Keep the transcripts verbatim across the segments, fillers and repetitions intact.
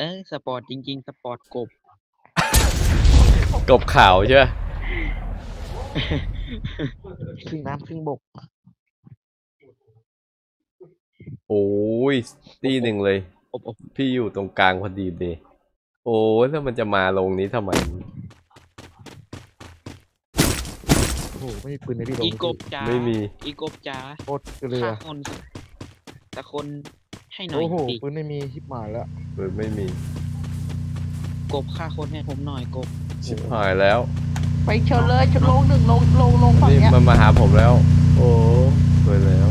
เออสปอร์ตจริงๆสปอร์ตกบกบขาวใช่ไหมครึ่งน้ำครึ่งบกโอ้ยตีหนึ่งเลยพี่อยู่ตรงกลางพอดีเลยโอ้ยแล้วมันจะมาลงนี้ทำไมโอ้โหไม่มีปืนในพี่ลงอีกบจ้าไม่มีอีกบจ้าโคตรเรือฆ่าคนแต่คนให้หน่อยโอ้โหดิปืนไม่มีชิบหายแล้วเออไม่มีกบฆ่าคนให้ผมหน่อยกบชิบหายแล้วไปเชิญเลยเชิญลงหนึ่งลงลงลงฝั่งนี่เนี้ยมันมาหาผมแล้ว โอ้สวยแล้ว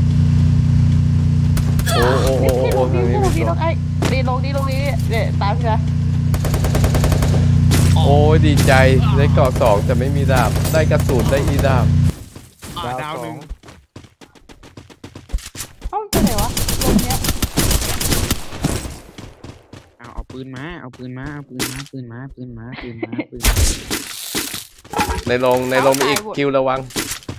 โอ้โอ้โอ้โอ้พี่ทางนี้พี่มีพี่ตัลวงไอ้ดีลงดีลงนี้เนี่ยตามพี่นะโอ้ยดีใจได้เกาะสองแต่ไม่มีดาบได้กระสุนได้อีดาบอ่าดาวหนึ่งเอ้ามันไปไหนวะลงเนี้ยเอาเอาปืนมาเอาปืนมาเอาปืนมาปืนมาปืนมาปืนมาปืนในลงในลงมีอีกคิวระวัง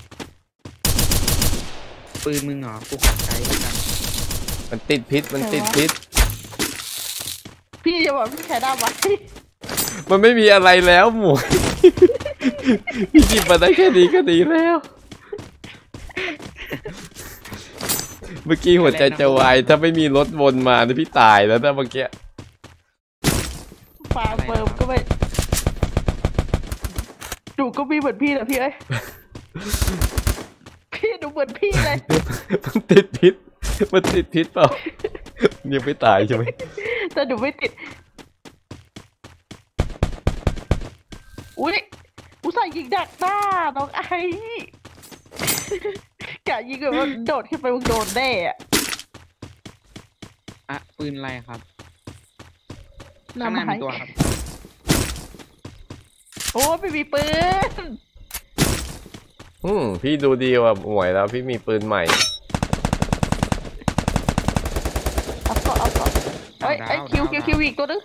ปืนมึงเหรอกูขอใช้แล้วกันมันติดพิษมันติดพิษพี่จะบอกพี่ใช้ด้ามวะมันไม่มีอะไรแล้วหมวย พี่จิบมาได้แค่นี้ก็ดีแล้ว เมื่อกี้หัวใจจะวายถ้าไม่มีรถวนมานี่พี่ตายแล้วนะเมื่อกี้ฟาร์มเฟิร์มก็ไม่ดูก็มีเหมือนพี่นะพี่เอ้ยพี่ดูเหมือนพี่เลยมันติดพิษมันติดพิษเปล่ายังไม่ตายใช่ไหมแต่ดูไม่ติดอุ้ยอุตส่าห์ยิงดักหน้าน้องไอ้กะยิงแบบว่าโดดขึ้นไปมึงโดนแน่อะอ่ะปืนอะไรครับนำข้างหน้ามามีตัวครับโอ้ไม่มีปืนอืมพี่ดูดีกว่าหมวยแล้วพี่มีปืนใหม่เอาก็เอาก็เอ้ยไอ้คิวคิวคิวอีกตัวนึง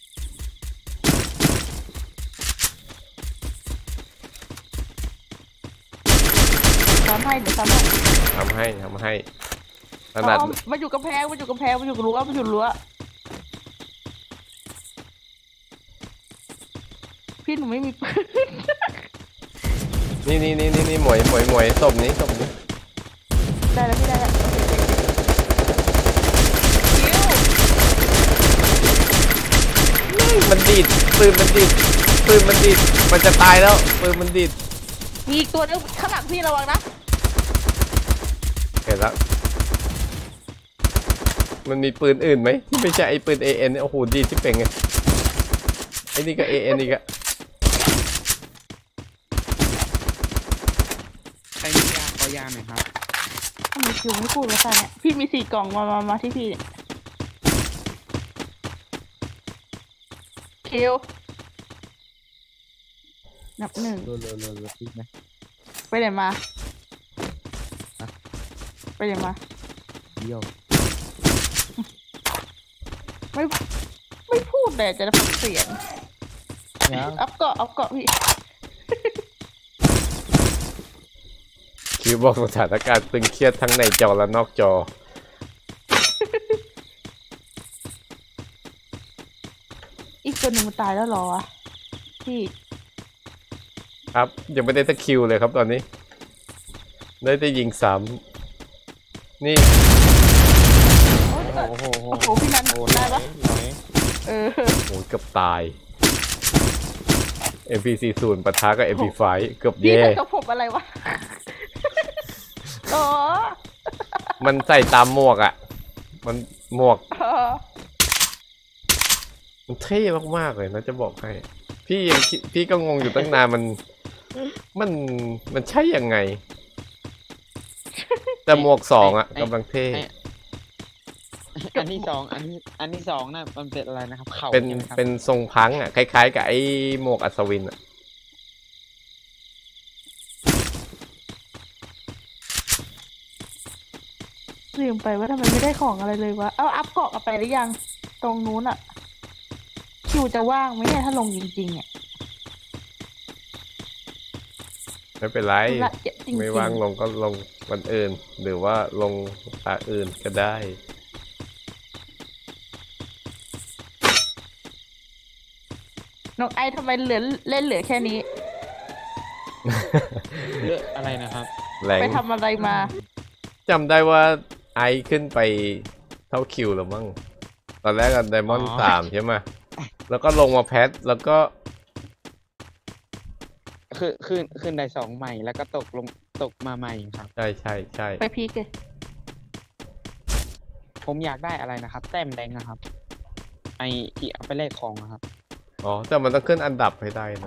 ทำให้เดี๋ยวทำให้ทำให้ทำให้ขนาดอ๋อมันอยู่กำแพงมันอยู่กำแพงมันอยู่รั้วมันอยู่รั้วพี่หนูไม่มีปืนนี่นี่นี่นี่นี่หมวยหมวยหมวยศพนี้ศพนี้ได้แล้วพี่ได้แล้วคิวนี่มันดีดปืนมันดีดปืนมันดีดมันจะตายแล้วปืนมันดีดมีอีกตัวนึงข้างหลังพี่ระวังนะเห็นแล้วมันมีปืนอื่นไหมที่ไม่ใช่ไอ้ปืน เอ เอ็น โอ้โหดีดที่เป็นไงไอ้นี่ก็ เอ เอ็น อีกอะใครมียาขอยาหน่อยครับทำไมคิวไม่พูดวะท่านเนี่ยพี่มีสี่กล่องมามามาที่พี่เนี่ยคิวนับหนึ่งเรือเรือเรือเรือพี่ไหมไปไหนมาไปไหนมาเยี่ยวไม่ไม่พูดเลยจะได้ฟังเสียงยังอัพเกาะอัพเกาะพี่คิวบอกสถานการณ์ตึงเครียดทั้งในจอและนอกจออีกตัวหนึ่งมันตายแล้วเหรอวะพี่ครับยังไม่ได้สักคิวเลยครับตอนนี้ ได้แต่ยิงซ้ำนี่โอ้ยโอ้โหโอ้โหพี่นันโอ้โหได้ปะไหนเออโอ้ยเกือบตาย เอ็ม พี สี่สิบ ปะทะกับ เอ็ม พี ไฟว์ เกือบพี่แย่ใส่กระผมอะไรวะอ๋อมันใส่ตามหมวกอ่ะ มันหมวกเออมันเท่มากๆเลยนะจะบอกให้ พี่ยังคิดพี่ก็งงอยู่ตั้งนานมัน มันมันใช่ยังไง แต่หมวกสองอ่ะกำลังเท่อันที่สองอันที่อันที่สองน่ะมันเป็นอะไรนะครับเข่าเป็นใช่ไหมครับเป็นทรงพังอ่ะคล้ายๆกับไอ้หมวกอัศวินอ่ะลืมไปว่าทำไมไม่ได้ของอะไรเลยวะเอาอัพเกาะกันไปหรือยัง ตรงนู้นอะคิวจะว่างไหมเนี่ยถ้าลงจริงๆเนี่ยไม่เป็นไรธุระเยอะจริงๆไม่ว่างลงก็ลงวันอื่น หรือว่าลงตาอื่นก็ได้น้องไอทำไมเหลือเล่นเหลือแค่นี้เลือกอะไรนะครับแรงไปทำอะไรมาจำได้ว่าไอซ์ขึ้นไปเท่าคิวแล้วมั้งตอนแรกกันไดมอนด์อ๋อสามใช่ไหมแล้วก็ลงมาแพทแล้วก็คือขึ้นขึ้นได้สองใหม่แล้วก็ตกลงตกมาใหม่ครับใช่ใช่ใช่ไปพีกเลยผมอยากได้อะไรนะครับ แต้มแดงนะครับ ไอที่เอาไปแลกของนะครับอ๋อแต่มันต้องขึ้นอันดับให้ได้นะ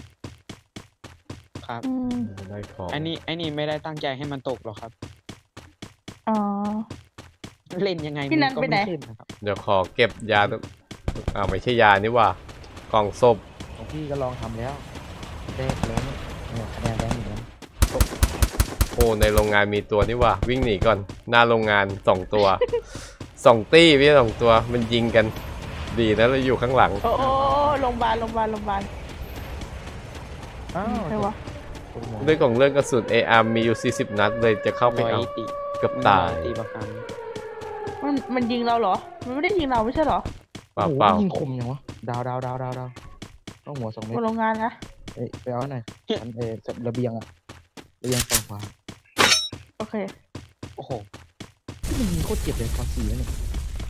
ครับอืมได้ของอันนี้ไอันนี้ไม่ได้ตั้งใจให้มันตกหรอกครับอ๋อเล่นยังไงพี่นันมัก็ไปไหนไม่ขึ้นนะครับเดี๋ยวขอเก็บยาตอ้าวไม่ใช่ยานี่หว่ากล่องศพของพี่ก็ลองทำแล้วได้แล้วเนี่ยเนี่ยคะแนนแรงอยู่นะโอ้ในโรงงานมีตัวนี่หว่าวิ่งหนีก่อนหน้าโรงงานสองตัว สองตี้พี่สองตัวมันยิงกันดีนะเราอยู่ข้างหลังโอ้โอ้โรงพยาบาลโรงพยาบาลโรงพยาบาลอ้าวใครวะคุณหมอด้วยของเรื่องกระสุน เอ อาร์ มีอยู่สี่สิบนัดเลยจะเข้าไปร้อยเอาตีเกับตายร้อตีประกันมันมันยิงเราเหรอ มันไม่ได้ยิงเราไม่ใช่เหรอเปล่าโอ้โหเปล่ายิงคมยังวะดาวดาวดาวดาวดาวต้องหัวสองเมตบรนโรงงานนะเอ้ยไปเอาหน่อยอันเออระเบียงอะระเบียงฝั่งขวาโอเคโอ้โหมันยิงโคตรเจ็บเลยตอนสี่แล้วเนี่ย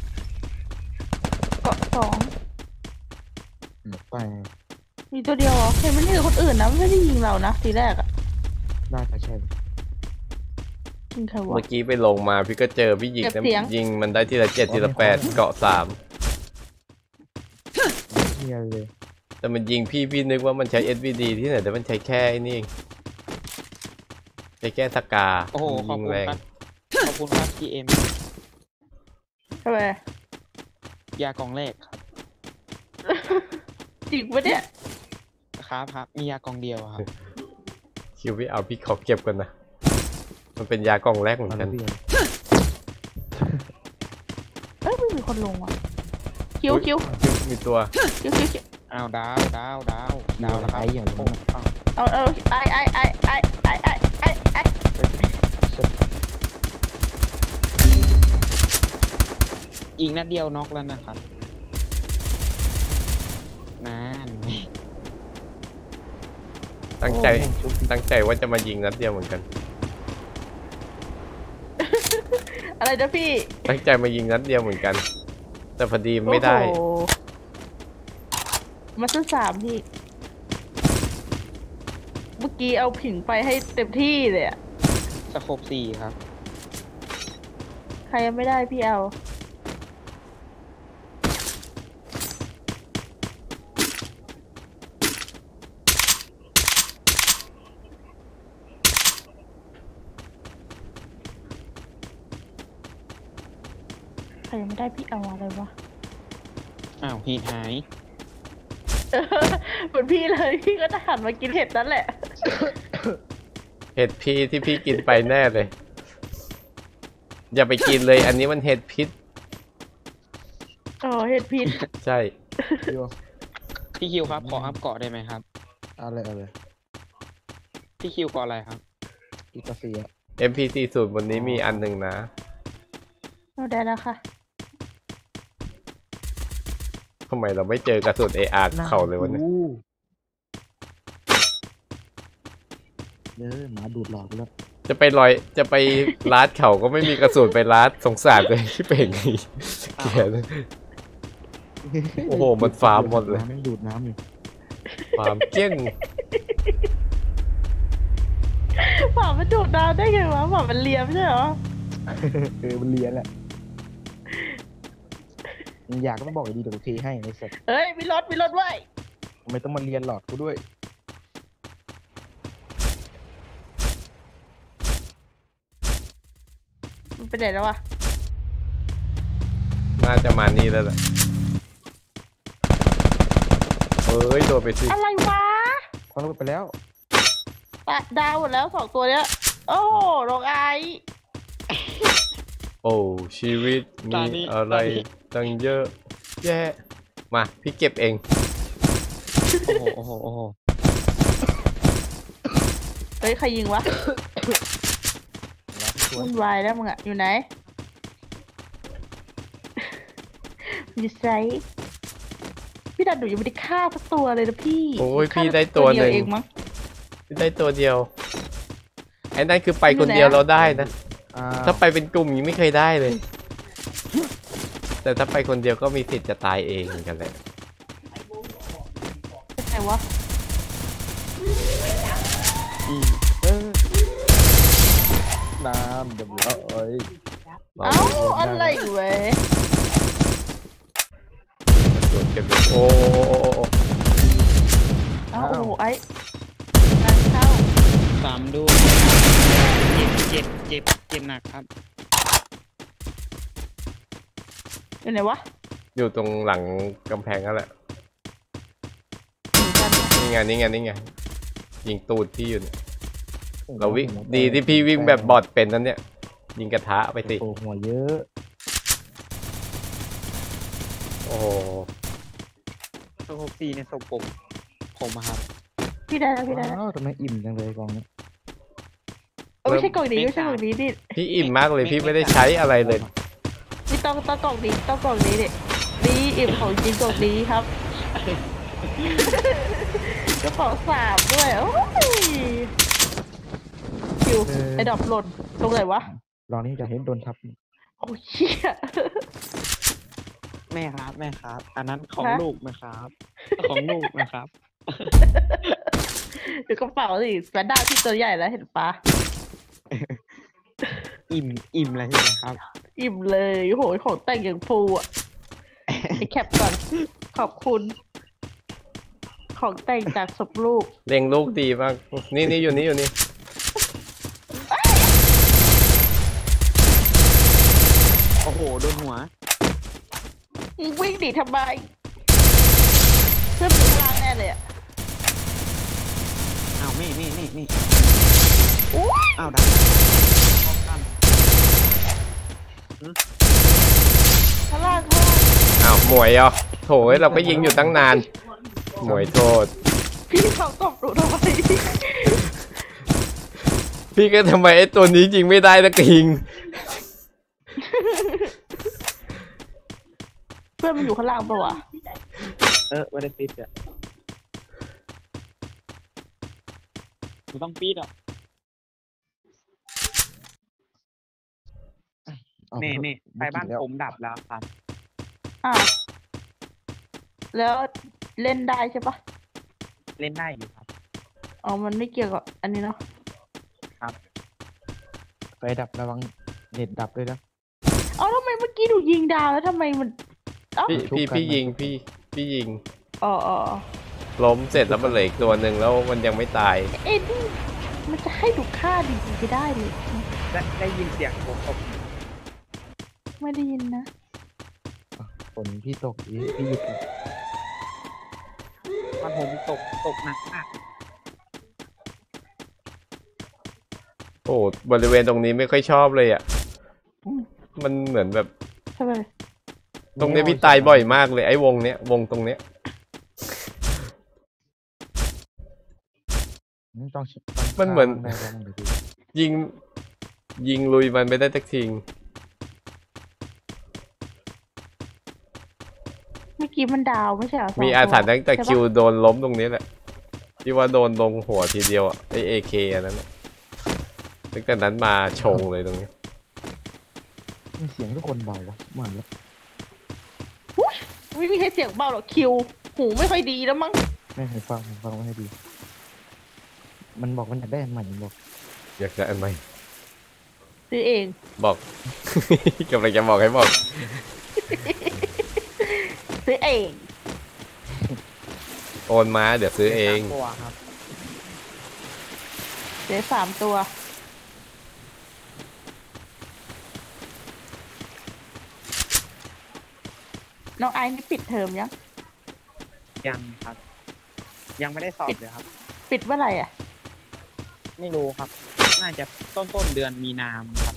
เกาะสองอืมไปมีตัวเดียวเหรอเห็นมันยิงคนอื่นนะไม่ได้ยิงเรานะทีแรกอะน่าจะใช่ยิงใครวะเมื่อกี้ไปลงมาพี่ก็เจอพี่ยิงเก็บแต่เสียงยิงมันได้ทีละเจ็ดทีละแปดเกาะสามเฮียเลยแต่มันยิงพี่พี่นึกว่ามันใช้ เอส วี ดี ที่ไหนแต่มันใช้แค่ไอ้นี่เองใช้แค่สกาโอ้โหขยิอบงคุณแรงครับ ขอบคุณครับพีเอ็มทำไมยากองแรกครับจริงปะเนี่ยครับครับ มียากองเดียวอะครับคิวพี่เอาพี่ขอเก็บกันนะมันเป็นยากล่องแรกเหมือนเอากัระนเบียงเอ้ยไม่มีคนลงอ่ะ คิวคิวมีตัวคิวคิวคิวอ้าวดาวดาวดาวดาวแล้วครับไอ้อย่างโอ้นี้อ้าวเอาเอาไอไอไอไอไอไอไอไออีกนัดเดียวน็อกแล้วนะครับนั่นตั้งใจโอ้โหชุบตั้งใจว่าจะมายิงนัดเดียวเหมือนกันอะไรนะพี่ตั้งใจมายิงนัดเดียวเหมือนกัน แต่พอดีไม่ได้โอ้โหมาซื้อสามพี่ เมื่อกี้เอาผิงไปให้เต็มที่เลยอะสโคบสี่ครับใครยังไม่ได้พี่เอา ใครยังไม่ได้พี่เอาอะไรวะอ้าวฮีทหายเหมือนพี่เลยพี่ก็จะหันมากินเห็ดนั่นแหละเห็ดพี่ที่พี่กินไปแน่เลย อย่าไปกินเลย อันนี้มันเห็ดพิษอ๋อเห็ดพิษใช่พี่ว่าพี่คิวครับ ขออัพเกาะได้ไหมครับเอาเลยเอาเลยพี่คิวเกาะอะไรครับอีกกาเซียเอ็ม พี สี่สิบ บนนี้มีอันหนึ่งนะเอาได้แล้วค่ะทำไมเราไม่เจอกระสุน เอ อาร์ เขาเลยวะเนี่ยอู้เด้อหมาดูดหลอดไปแล้วจะไปลอย จะไปลาดเขาก็ไม่มีกระสุนไปลาดสงสารเลยที่เป็นอย่างนี้เกลียด โอ้โหมันฟาร์มหมดเลยน้ำแม่งดูดน้ำอยู่ความเกี้ยงหมามันดูดน้ำได้ไงวะหมามันเลียมใช่เหรอเออมันเลียนแหละมึงอยากก็ต้องบอกดีเดี๋ยวกูเทให้ไอ้สัสเฮ้ยมีรถมีรถไว้ยทำไมต้องมาเลียนหลอดกูด้วยมันไปไหนแล้ววะน่าจะมานี่แล้วแหละเอ้ยโดนไปสิอะไรวะพอเราไปแล้วตะดาวหมดแล้วสองตัวเนี้ย โอ้โหลงไอโอ้ชีวิตตอมีนนี้อะไรตอนนี้ตั้งเยอะแยะมาพี่เก็บเองโอ้โห โอ้โห โอ้โหเฮ้ยใครยิงวะรับชวนวุ่นวายแล้วมึงอะอยู่ไหน อยู่ไซส์พี่ดันหนูยังไม่ได้ฆ่าสักตัวเลยนะพี่โอ้ยฆ่าพี่ได้ตัวหนึ่งเดียเองมั้งพี่ได้ตัวเดียวไอ้นั่นคือไปคนเดียวเราได้นะอ่าถ้าไปเป็นกลุ่มยังไม่เคยได้เลย แต่ถ้าไปคนเดียวก็มีสิทธิ์จะตายเองเหมือนกันแหละเป็นไงวะอืมเออน้ำเดี๋ยวเราเอ้ยเราเอ้าอะไรเว้ยตรวจเก็บเลยโอ้โอ้โอ้โอ้โอ้เอ้าโอ้โหไอ้งานเข้าสามด้วยเจ็บเจ็บเจ็บเจ็บหนักครับอยู่ไหนวะอยู่ตรงหลังกำแพงนั่นแหละอยู่กันนี่ไงนี่ไงนี่ไงยิงตูดพี่อยู่เนี่ยโอ้โหเราวิ่งหัวแตกดีที่พี่วิ่งแบบบอดเป็นนั่นเนี่ย ยิงกระทะไปสิโอ้หัวเยอะโอ้โหตัวหกสี่ในศพผมผมอะครับพี่ได้แล้วพี่ได้แล้วว้าวทำไมอิ่มจังเลยกองนี้เออไม่ใช่กล่องนี้ไม่ใช่กล่องนี้ดิพี่อิ่มมากเลยพี่ไม่ได้ใช้อะไรเลยนี่ต้องต้องกล่องนี้ต้องกล่องนี้ดิดีอิ่มของจริงกล่องนี้ครับ กระเป๋าสามด้วยโอ้ยคิวไอ้ดอกหล่นตรงไหนวะลองนี้จะเห็นโดนทับโอ้ยเหี้ยแม่ครับแม่ครับ อันนั้นของฮะลูกนะครับ ของลูกนะครับเดี๋ยวกระเป๋าสิแฟนด้าที่ตัวใหญ่แล้วเห็นปะอิ่มอิ่มเลยนะครับอิ่มเลยโอ้โหของแต่งอย่างฟูอ่ะไอแคปก่อนขอบคุณ ของแต่งจากศพลูกเล็งลูกดีมากนี่นี่อยู่นี่อยู่นี่โอ้โหโดนหัวมึงวิ่งดิทำไมเพื่อนมึงล้างแน่เลยอ่ะอ้าวนี่นี่นี่นี่อุ้ยอ้าวดันป้องกันข้างล่างข้างล่างอ้าวหมวยเหรอ่ะโถยเราก็ยิงอยู่ตั้งนานหมวยโทษพี่เขาตบหนูทำไมพี่ก็ทำไมไอ้ตัวนี้ยิงไม่ได้สักทีเพื่อนมันอยู่ข้างล่างปะวะเออไม่ได้ปิดอ่ะกูต้องปิดอ่ะเอานี่นี่ไฟบ้านแล้วผมดับแล้วครับอ้าวแล้วเล่นได้ใช่ปะเล่นได้อยู่ครับอ๋อมันไม่เกี่ยวกับอันนี้เนาะไฟดับระวังเน็ตดับด้วยนะเอ้าทำไมเมื่อกี้หนูยิงดาวแล้วทำไมมันเอ้าพี่ชุบพี่กันพี่ไหมยิงพี่พี่ยิงอ๋ออ๋ออ๋อล้มเสร็จแล้วมันเหลืออีกตัวหนึ่งแล้วมันยังไม่ตายเอ็ดนี่มันจะให้ดูค่าดีๆไม่ได้เลยได้ได้ยินเสียงผมตกไม่ได้ยินนะฝนพี่ตกอีพี่หยุดเลยมันผมตกตกหนักมากโอ้บริเวณตรงนี้ไม่ค่อยชอบเลยอ่ะ มันเหมือนแบบทำไมตรงเนี้ยพี่ตายบ่อยมากเลยไอ้วงเนี้ยวงตรงเนี้ยต้องมันเหมือนได้ระวังเดี๋ยวดูยิงยิงลุยมันไม่ได้สักทีเมื่อกี้มันดาวไม่ใช่เหรอสงมีอาถรรพ์ตัตั้งแต่ใช่ปะคิวโดนล้มตรงนี้แหละที่ว่าโดนลงหัวทีเดียวอ่ะไอเอเคอันนั้นน่ะตั้งแต่นั้นมาชงเลยตรงนี้มีเสียงทุกคนเบาวะเหมือนแล้วไม่มีใครเสียงเบาหรอกคิว หูไม่ค่อยดีแล้วมั้งไม่ให้ฟังให้ฟังไม่ให้ดี มันบอกมันอยากได้อันใหม่มันบอกอยากจะอันไหมซื้อเองบอก กำลังจะบอกให้บอกซื้อเองโอนมาเดี๋ยวซื้อเองสามตัวครับซื้อสามตัว น้องไอซ์นี่ปิดเทอมยังยังครับ ยังไม่ได้สอบเลยครับปิดเมื่อไหร่อ่ะไม่รู้ครับ น่าจะต้นต้นเดือนมีนาคมครับ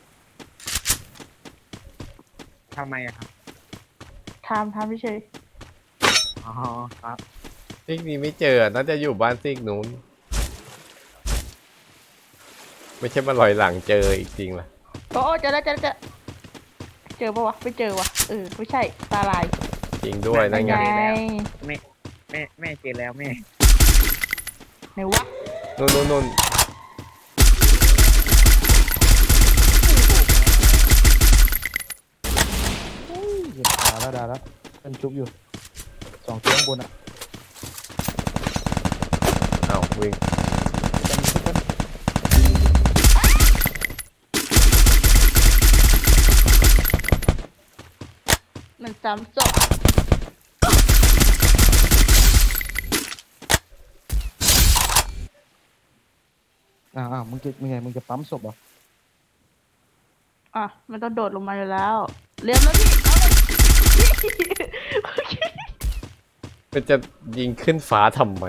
ทำไมอะครับทำทำไม่เฉยอ๋อครับซิกนี้ไม่เจอน่าจะอยู่บ้านซิกนู้น ไม่ใช่มาลอยหลังเจออีกจริงล่ะโอ้เจอแล้วเจอแล้วเจอเจอปะวะไม่เจอวะเออไม่ใช่ตาลายจริงด้วยนั่นไงไงแม่แม่แม่เจอแล้วแม่ไหนวะนู่นนู่นนู่นเหยียบขาแล้วดาแล้วมันชุบอยู่สองตัวข้างบนอ่ะอ้าววิ่งจะมีชุบกันมันซ้ำศพอ้าวอ้าวมึงจะมึงไงมึงจะปั๊มศพเหรออ่ะมันต้องโดดลงมาอยู่แล้วเรียบแล้วพี่เอาเลยมันจะยิงขึ้นฟ้าทำไม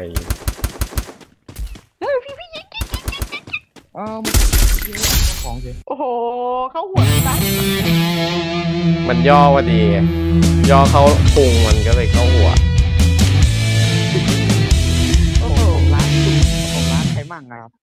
เฮ้ยพี่พี่ยิงอ้าวมึงของเฉยโอ้โหเข้าหัวซะมันย่อว่าดีไงย่อเขาพุงมันก็เลยเข้าหัวโอ้โหร้านร้านใครมั่งครับ